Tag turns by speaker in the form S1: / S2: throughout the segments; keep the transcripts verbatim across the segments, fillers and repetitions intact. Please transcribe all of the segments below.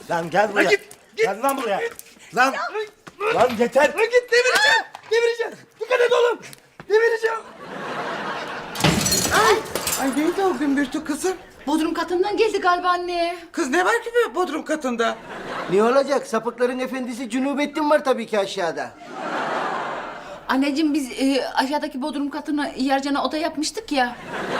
S1: Lan gel buraya.
S2: Lan git, git.
S1: Gel lan buraya. Lan. Lan yeter.
S2: Lan git devireceğim. Devireceğim. Dikkat et oğlum. Devireceğim. Ay. Ay neydi o gümbürtü kızım?
S3: Bodrum katından geldi galiba anne.
S2: Kız ne var ki bu bodrum katında?
S4: Ne olacak? Sapıkların efendisi Cunubettin var tabii ki aşağıda.
S3: Anneciğim biz e, aşağıdaki bodrum katına Yarcan'a oda yapmıştık ya.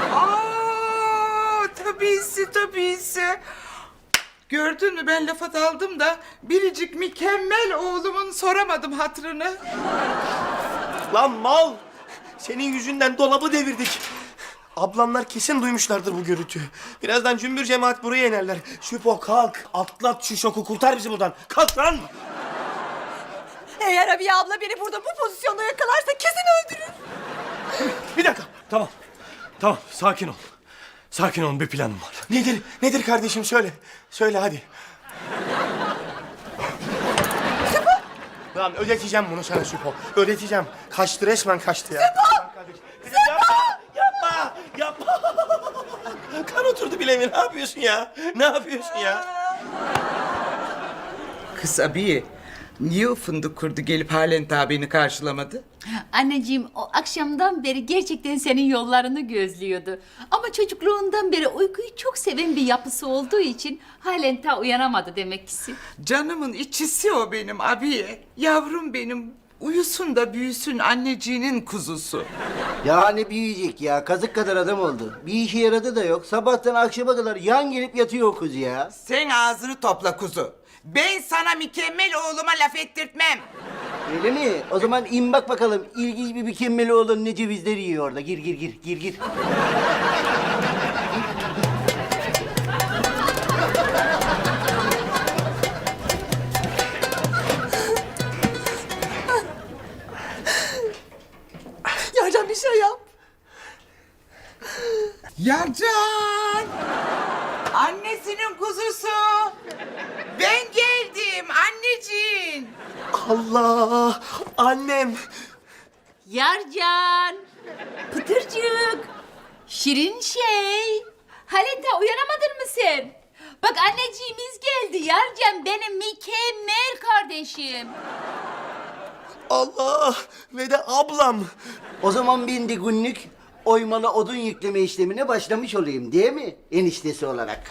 S2: Aa, tabisi tabisi. Gördün mü ben lafa daldım da biricik mükemmel oğlumun soramadım hatırını.
S1: Lan mal. Senin yüzünden dolabı devirdik. Ablamlar kesin duymuşlardır bu gürültüyü. Birazdan cümbür cemaat buraya inerler. Şüpho kalk. Atlat şu şoku, kurtar bizi buradan. Kalk lan.
S5: Eğer Abiye abla beni burada bu pozisyonda yakalarsa kesin öldürür.
S1: Bir dakika.
S6: Tamam. Tamam sakin ol. Sakin olun bir planım var.
S1: Nedir? Nedir kardeşim söyle. Söyle hadi. Lan ödeteceğim bunu sana Süpo. Ödeteceğim. Kaçtı resmen kaçtı ya. Süpo! Kızım yapma! Yapma! Yapma! Kan oturdu bileğime. Ne yapıyorsun ya? Ne yapıyorsun ya?
S2: Kız abiye niye o fındık kurdu gelip halen daha beni karşılamadı?
S3: Anneciğim o akşamdan beri gerçekten senin yollarını gözlüyordu. Ama çocukluğundan beri uykuyu çok seven bir yapısı olduğu için halen ta uyanamadı demek ki.
S2: Canımın içisi o benim abiye. Yavrum benim uyusun da büyüsün anneciğinin kuzusu.
S4: Ya ne büyüyecek ya? Kazık kadar adam oldu. Bir işe yaradı da yok. Sabahtan akşama kadar yan gelip yatıyor o kız ya.
S2: Sen ağzını topla kuzu. Ben sana mükemmel oğluma laf ettirtmem.
S4: Öyle mi? O zaman in bak bakalım. İlginç bir mükemmel oğlun ne cevizler yiyor orada. Gir gir gir gir gir.
S5: Yarcan bir şey yap.
S2: Yarcan! Annesinin kuzusu! Ben geldim anneciğin!
S1: Allah! Annem!
S3: Yarcan, Pıtırcık, şirin şey. Halen ta uyanamadın mı sen? Bak anneciğimiz geldi Yarcan, benim mükemmel kardeşim.
S1: Allah! Ve de ablam!
S4: O zaman ben de günlük oymalı odun yükleme işlemine başlamış olayım değil mi? Eniştesi olarak.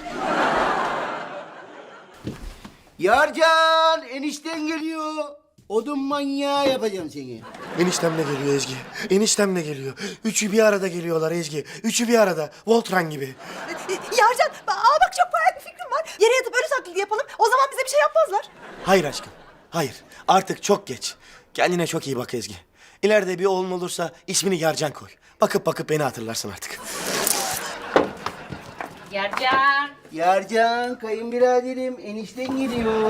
S4: Yarcan! Enişten geliyor. Odun manyağı yapacağım seni.
S1: Eniştem de geliyor Ezgi. Eniştem de geliyor. Üçü bir arada geliyorlar Ezgi. Üçü bir arada. Voltran gibi.
S5: Yarcan, aa bak çok parlak bir fikrim var. Yere yatıp ölü taklidi yapalım. O zaman bize bir şey yapmazlar.
S1: Hayır aşkım. Hayır. Artık çok geç. Kendine çok iyi bak Ezgi. İleride bir oğlun olursa ismini Yarcan koy. Bakıp bakıp beni hatırlarsın artık.
S3: Yarcan.
S4: Yarcan, kayınbiraderim, enişten geliyor.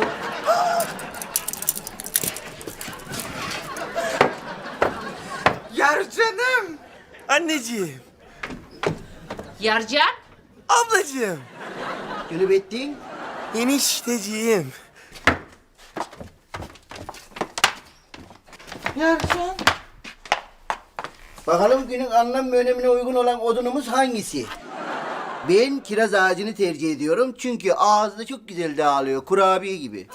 S2: Yarcanım!
S1: Anneciğim.
S3: Yarcan.
S1: Ablacığım.
S4: Cunubettin.
S1: Enişteciğim.
S2: Yarcan!
S4: Bakalım günün anlam ve önemine uygun olan odunumuz hangisi? Ben kiraz ağacını tercih ediyorum çünkü ağızda çok güzel dağılıyor, kurabiye gibi.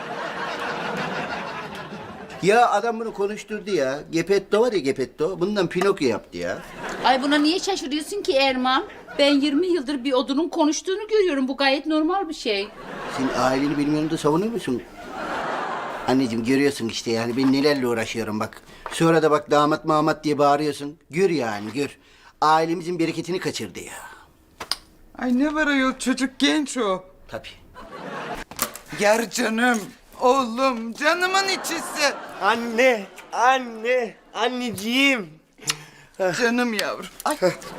S4: Ya adam bunu konuşturdu ya. Gepetto var ya Gepetto. Bundan Pinokyo yaptı ya.
S3: Ay buna niye şaşırıyorsun ki Erman? Ben yirmi yıldır bir odunun konuştuğunu görüyorum. Bu gayet normal bir şey.
S4: Sen aileni benim yanımda savunuyor musun? Anneciğim görüyorsun işte yani ben nelerle uğraşıyorum bak. Sonra da bak damat mamat diye bağırıyorsun. Gör yani gör. Ailemizin bereketini kaçırdı ya.
S2: Ay ne var ayol çocuk genç o.
S4: Tabii.
S2: Yarcanım, oğlum, canımın içisi.
S1: Anne. Anne. Anneciğim.
S2: Canım yavrum. Ay.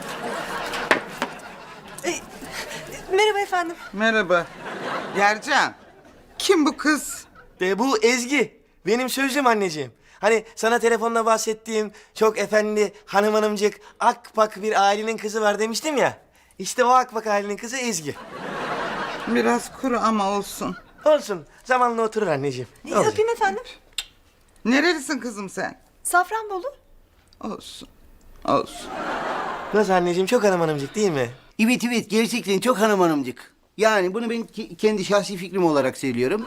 S5: Merhaba efendim.
S2: Merhaba. Yarcan, kim bu kız?
S1: De bu Ezgi. Benim sözüm anneciğim. Hani sana telefonla bahsettiğim çok efendi hanım hanımcık akpak bir ailenin kızı var demiştim ya. İşte o akpak ailenin kızı Ezgi.
S2: Biraz kuru ama olsun.
S1: Olsun. Zamanla oturur anneciğim. Ne olacak?
S5: Öpeyim efendim.
S2: Nerelisin kızım sen?
S5: Safranbolu.
S2: Olsun, olsun.
S1: Nasıl anneciğim? Çok hanım hanımcık değil mi?
S4: Evet evet gerçekten çok hanım hanımcık. Yani bunu ben ke- kendi şahsi fikrim olarak söylüyorum.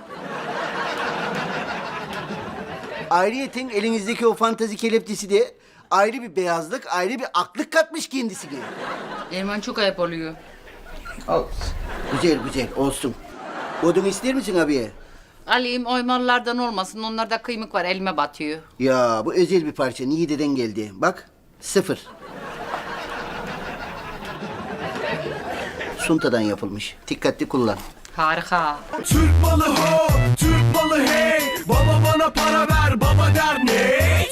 S4: Ayrıyeten elinizdeki o fantazi kelepçesi de ayrı bir beyazlık, ayrı bir aklık katmış kendisine.
S3: Erman çok ayıp oluyor.
S4: Güzel güzel olsun. Odun ister misin abiye?
S3: Alayım oymalılardan olmasın. Onlarda kıymık var elime batıyor.
S4: Ya bu özel bir parça. Niğde'den geldi. Bak sıfır. Suntadan yapılmış. Dikkatli kullan.
S3: Harika.
S6: Türk malı ho, Türk malı hey. Baba bana para ver, baba der ne?